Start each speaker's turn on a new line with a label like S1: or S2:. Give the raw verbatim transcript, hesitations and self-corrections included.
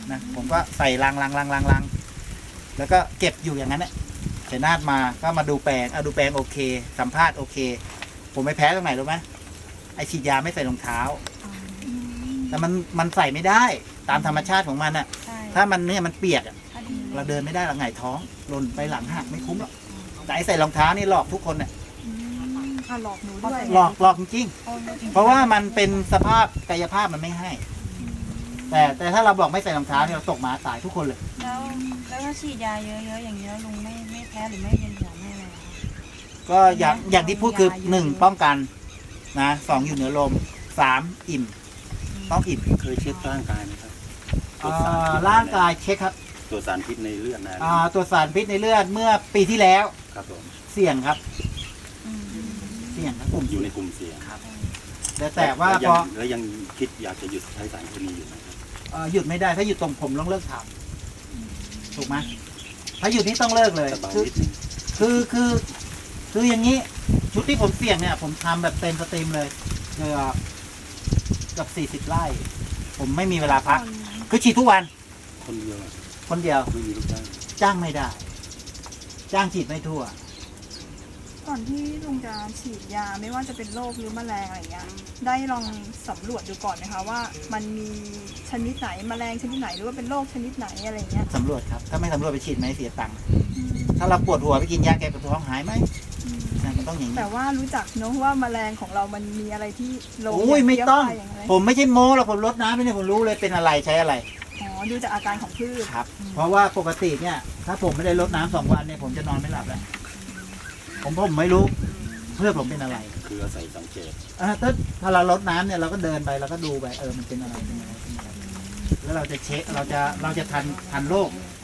S1: นะผมก็ใส่ลังลังลังลังลังแล้วก็เก็บอยู่อย่างนั้นแหละเสนาดมาก็มาดูแปลงเอาดูแปลงโอเค สัมภาษณ์โอเค ผมไม่แพ้ตรงไหนรู้ไหมไอฉีดยาไม่ใส่รองเท้า แต่มันมันใส่ไม่ได้ตามธรรมชาติของมันอะถ้ามันเนี่ยมันเปียกอะเราเดินไม่ได้เราหงายท้องหล่นไปหลังหักไม่คุ้มหรอกแต่ไอใส่รองเท้านี่หลอกทุกคนเนี่ย
S2: ค่ะหลอกหนูด้วย
S1: หลอกหลอกจริงๆเพราะว่ามันเป็นสภาพกายภาพมันไม่ให้ แต่แต่ถ้าเราบอกไม่ใส่รองเท้าเนี่ยเราตกหมาตายทุกคนเลย
S3: แล้วแล้วถ้าฉีดยาเยอะๆอย่างนี้แล้วลุงไม่ไม่แพ้หรือไม่เวียนหัวไม่อะไรเหรอคะ
S1: ก็อย่างอย่างที่พูดคือหนึ่งป้องกันนะสองอยู่เหนือลมสามอิ่มต้องอิ่ม
S4: เคยเช็คร่างกายไหมครับ
S1: อ่าร่างกายเช็คครับ
S4: ตัวสารพิษในเลือดนะ
S1: อ่าตัวสารพิษในเลือดเมื่อปีที่แล้ว
S4: ครับผม
S1: เสี่ยงครับ
S3: อืม
S1: เสี่ยงครับผม
S4: อยู่ในกลุ่มเสี่ยง
S1: ครับแต่แต่ว่า
S4: แล้
S1: พ
S4: ยั
S1: อง
S4: แล้วยังคิดอยากจะหยุดใช้สารเคมีอยู่ไหมครับ
S1: เอ่อหยุดไม่ได้ถ้าหยุดตรงผมต้องเลิกทำถูกไหมถ้าหยุดนี่ต้องเลิกเลย
S4: แต่เบา
S1: คือ
S4: นิดนึง
S1: คือคือคืออย่างนี้ชุดที่ผมเสี่ยงเนี่ยผมทำแบบเต็มสตรีมเลยเกือบเกับสี่สิบไร่ ผมไม่มีเวลาพัก คือฉีดทุกวัน
S4: คนเดียวอะ
S1: คนเดียว
S4: ไม่มีลูกจ้าง
S1: จ้างไม่ได้ จ้างฉีดไม่ทั่ว
S2: ก่อนที่ลุงจะฉีดยาไม่ว่าจะเป็นโรคหรือแมลงอะไรเงี้ยได้ลองสำรวจดูก่อนไหมคะว่ามันมีชนิดไหนแมลงชนิดไหนหรือว่าเป็นโรคชนิดไหนอะไรเงี้ย
S1: สำรวจครับ ถ้าไม่สำรวจไปฉีดไหมเสียตังค์ ถ้าเราปวดหัวไปกินยาแก้ปวดท้องหายไหมนะมันต้องอย่างนี้
S2: แต่ว่ารู้จักเนอะว่าแมลงของเรามันมีอะไรที่ลง
S1: โอ้ยไม่ต้อง
S2: ย่างไร
S1: ผมไม่ใช่โม้หรอกผมลดน้ำไปเนี่ยผมรู้เลยเป็นอะไรใช้อะไร
S2: อ๋อดูจากอาการของพืช
S1: ครับ เพราะว่าปกติเนี่ย ถ้าผมไม่ได้ลดน้ำสองวันเนี่ยผมจะนอนไม่หลับแล้วผมผมไม่รู้เพื่อนผมเป็นอะไร
S4: คืออาศัยสังเกต
S1: อ่าถ้าถ้าเราลดน้ำเนี่ยเราก็เดินไปเราก็ดูไปเออมันเป็นอะไรเป็นอะไรเป็นอะไรแล้วเราจะเช็คเราจะเราจะทันทันโรค